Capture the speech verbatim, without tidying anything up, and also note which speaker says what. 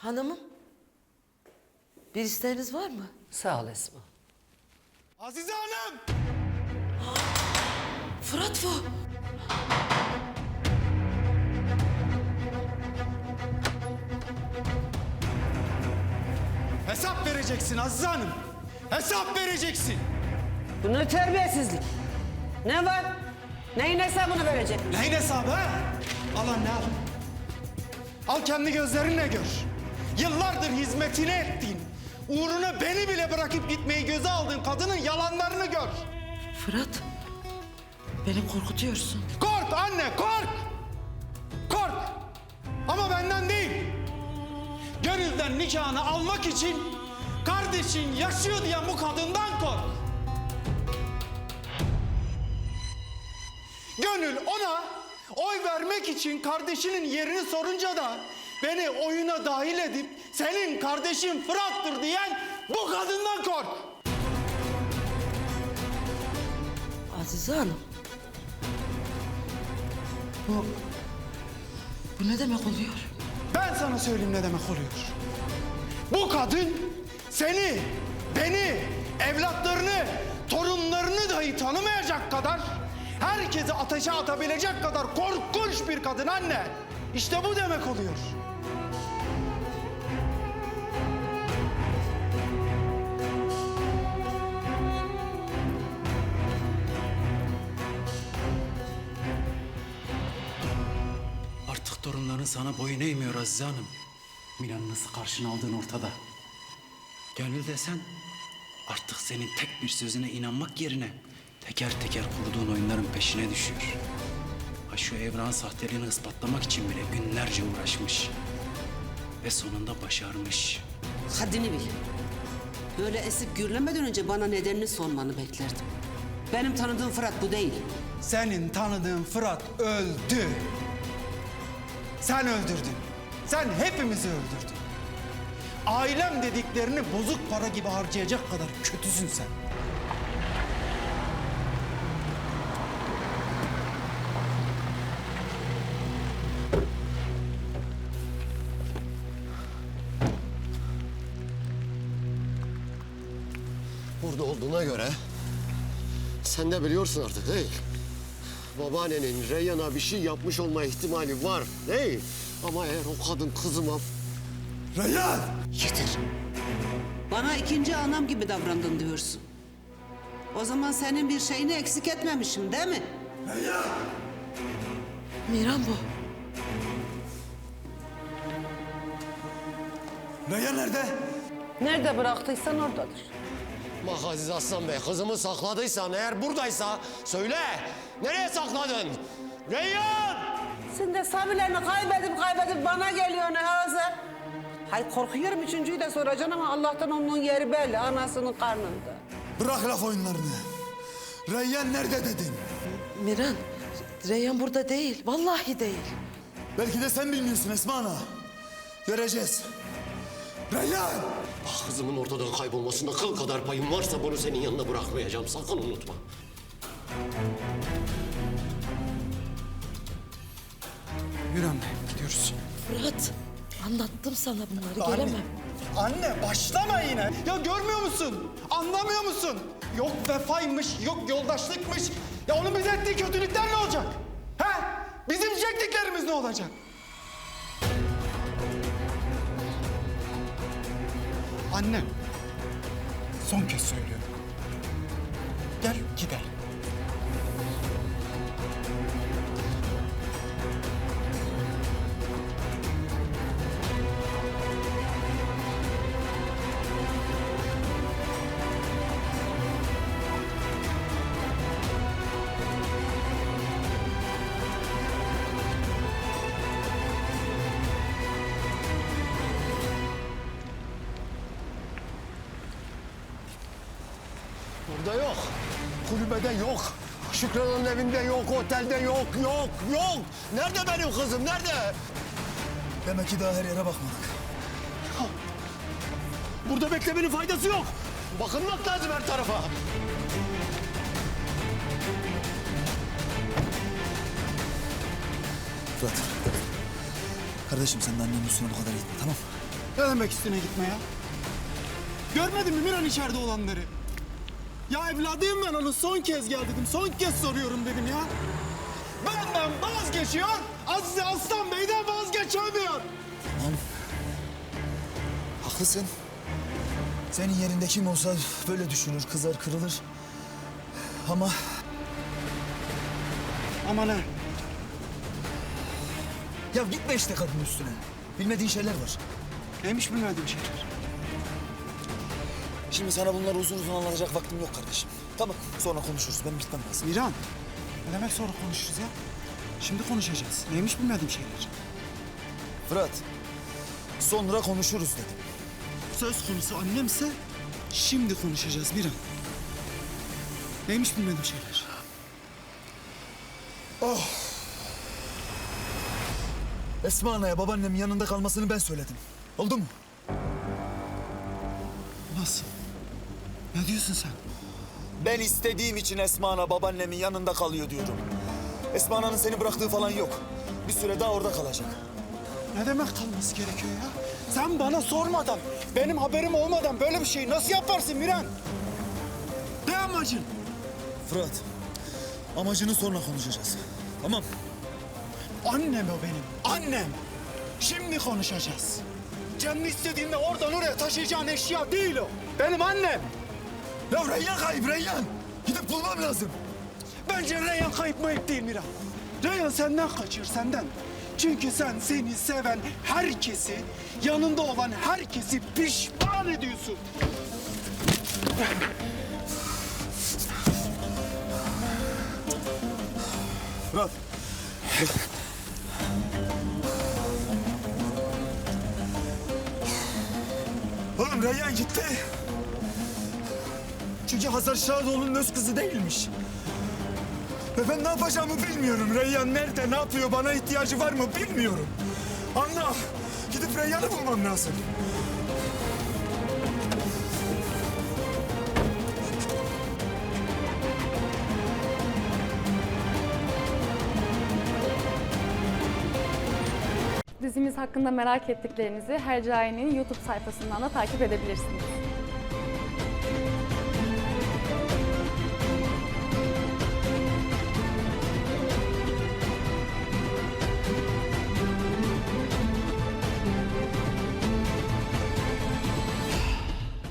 Speaker 1: Hanımım, bir isteğiniz var mı?
Speaker 2: Sağ ol Esma.
Speaker 3: Azize Hanım!
Speaker 1: Fırat bu.
Speaker 3: Hesap vereceksin Azize Hanım. Hesap vereceksin.
Speaker 2: Bu ne terbiyesizlik? Ne var? Neyin hesabını verecek?
Speaker 3: Neyin hesabı ha? Al anne al. Al kendi gözlerinle gör. Yıllardır hizmetini ettiğin, uğruna beni bile bırakıp gitmeyi göze aldığın kadının yalanlarını gör.
Speaker 1: Fırat, beni korkutuyorsun.
Speaker 3: Kork anne kork! Kork! Ama benden değil. Gönülden nikahını almak için kardeşin yaşıyor diyen bu kadından kork. Gönül ona oy vermek için kardeşinin yerini sorunca da beni oyuna dahil edip senin kardeşin Fırat'tır diyen bu kadından kork.
Speaker 1: Azize Hanım. Bu... Bu ne demek oluyor?
Speaker 3: Ben sana söyleyeyim ne demek oluyor. Bu kadın seni, beni, evlatlarını, torunlarını dahi tanımayacak kadar, herkesi ateşe atabilecek kadar korkunç bir kadın anne. İşte bu demek oluyor.
Speaker 4: Artık torunların sana boyun eğmiyor Azize Hanım. Milan'ı nasıl karşına aldığın ortada. Gönül desen artık senin tek bir sözüne inanmak yerine teker teker kurduğun oyunların peşine düşüyor. Ha şu Evrak'ın sahteliğini ispatlamak için bile günlerce uğraşmış. Ve sonunda başarmış.
Speaker 2: Haddini bil. Böyle esip gürlemeden önce bana nedenini sormanı beklerdim. Benim tanıdığım Fırat bu değil.
Speaker 3: Senin tanıdığın Fırat öldü. Sen öldürdün. Sen hepimizi öldürdün. Ailem dediklerini bozuk para gibi harcayacak kadar kötüsün sen.
Speaker 5: Burada olduğuna göre sen de biliyorsun artık değil. Babaannenin Reyhan'a bir şey yapmış olma ihtimali var değil. Ama eğer o kadın kızıma...
Speaker 3: Reyhan!
Speaker 5: Yeter.
Speaker 2: Bana ikinci anam gibi davrandın diyorsun. O zaman senin bir şeyini eksik etmemişim değil mi?
Speaker 1: Miran bu.
Speaker 3: Reyhan nerede?
Speaker 2: Nerede bıraktıysan oradadır.
Speaker 5: Bak Aziz Aslan Bey, kızımı sakladıysan eğer buradaysa söyle. Nereye sakladın? Reyhan!
Speaker 2: Sen de sabilerini kaybedip kaybedip bana geliyor ne hazır? Hay korkuyorum üçüncüyü de soracaksın ama Allah'tan onun yeri belli, anasının karnında.
Speaker 6: Bırak laf oyunlarını. Reyyan nerede dedin?
Speaker 1: Miran, Reyhan burada değil. Vallahi değil.
Speaker 6: Belki de sen bilmiyorsun Esma Ana. Göreceğiz. Reyyan!
Speaker 5: Ah, kızımın ortadan kaybolmasında kıl kadar payım varsa bunu senin yanına bırakmayacağım. Sakın unutma.
Speaker 3: Yürü anne gidiyoruz.
Speaker 1: Fırat, anlattım sana bunları.
Speaker 3: Anne,
Speaker 1: Gelemem.
Speaker 3: Anne başlama yine. Ya görmüyor musun? Anlamıyor musun? Yok vefaymış, yok yoldaşlıkmış. Ya onun bize ettiği kötülükler ne olacak? He? Bizim çektiklerimiz ne olacak? Anne, son kez söylüyorum. Gel gidelim.
Speaker 5: Burada yok. Kulübede yok. Şükran'ın evinde yok, otelde yok, yok, yok. Nerede benim kızım, nerede?
Speaker 6: Demek ki daha her yere bakmadık.
Speaker 5: Burada beklemenin faydası yok. Bakılmak lazım her tarafa.
Speaker 6: Fırat. Kardeşim sen de annenin üstüne bu kadar gitme, tamam?
Speaker 3: Ne demek üstüne gitme ya? Görmedin mi Miran içeride olanları? Ya evladıyım ben onu son kez gel dedim. Son kez soruyorum dedim ya. Benden vazgeçiyor. Azize Aslan Bey'den vazgeçemiyor.
Speaker 6: Tamam. Haklısın. Senin yerinde kim olsa böyle düşünür, kızar, kırılır. Ama
Speaker 3: Ama ne?
Speaker 6: ya gitme işte kadının üstüne. Bilmediğin şeyler var.
Speaker 3: Neymiş bilmediğim şeyler?
Speaker 6: Şimdi sana bunları uzun uzun anlatacak vaktim yok kardeşim. Tamam, sonra konuşuruz. Ben gitmem lazım.
Speaker 3: Miran, ne demek sonra konuşuruz ya? Şimdi konuşacağız. Neymiş bilmediğim şeyler?
Speaker 6: Fırat, sonra konuşuruz dedim.
Speaker 3: Söz konusu annemse şimdi konuşacağız Miran. Neymiş bilmediğim şeyler?
Speaker 6: Esma Ana'ya babaannemin yanında kalmasını ben söyledim. Oldu mu?
Speaker 3: Nasıl? Ne diyorsun sen?
Speaker 6: Ben istediğim için Esma Ana babaannemin yanında kalıyor diyorum. Esma Ana'nın seni bıraktığı falan yok. Bir süre daha orada kalacak.
Speaker 3: Ne demek kalması gerekiyor ya? Sen bana sormadan, benim haberim olmadan böyle bir şeyi nasıl yaparsın Miran? Ne amacın?
Speaker 6: Fırat, amacını sonra konuşacağız. Tamam.
Speaker 3: Annem o benim, annem. Şimdi konuşacağız. Canını istediğinde oradan oraya taşıyacağın eşya değil o. Benim annem.
Speaker 6: Ya Reyyan kayıp Reyyan. Gidip bulmam lazım.
Speaker 3: Bence Reyhan kayıp mayıp değil Miran. Reyhan senden kaçıyor, senden. Çünkü sen seni seven herkesi, yanında olan herkesi pişman ediyorsun.
Speaker 6: Fırat. Oğlum Reyyan gitti. Çünkü Hazar Şadoğlu'nun öz kızı değilmiş. Ve ben ne yapacağımı bilmiyorum. Reyyan nerede, ne yapıyor, bana ihtiyacı var mı bilmiyorum. Anla, gidip Reyyan'ı bulmam lazım.
Speaker 7: Dizimiz hakkında merak ettiklerinizi Hercai'nin YouTube sayfasından da takip edebilirsiniz.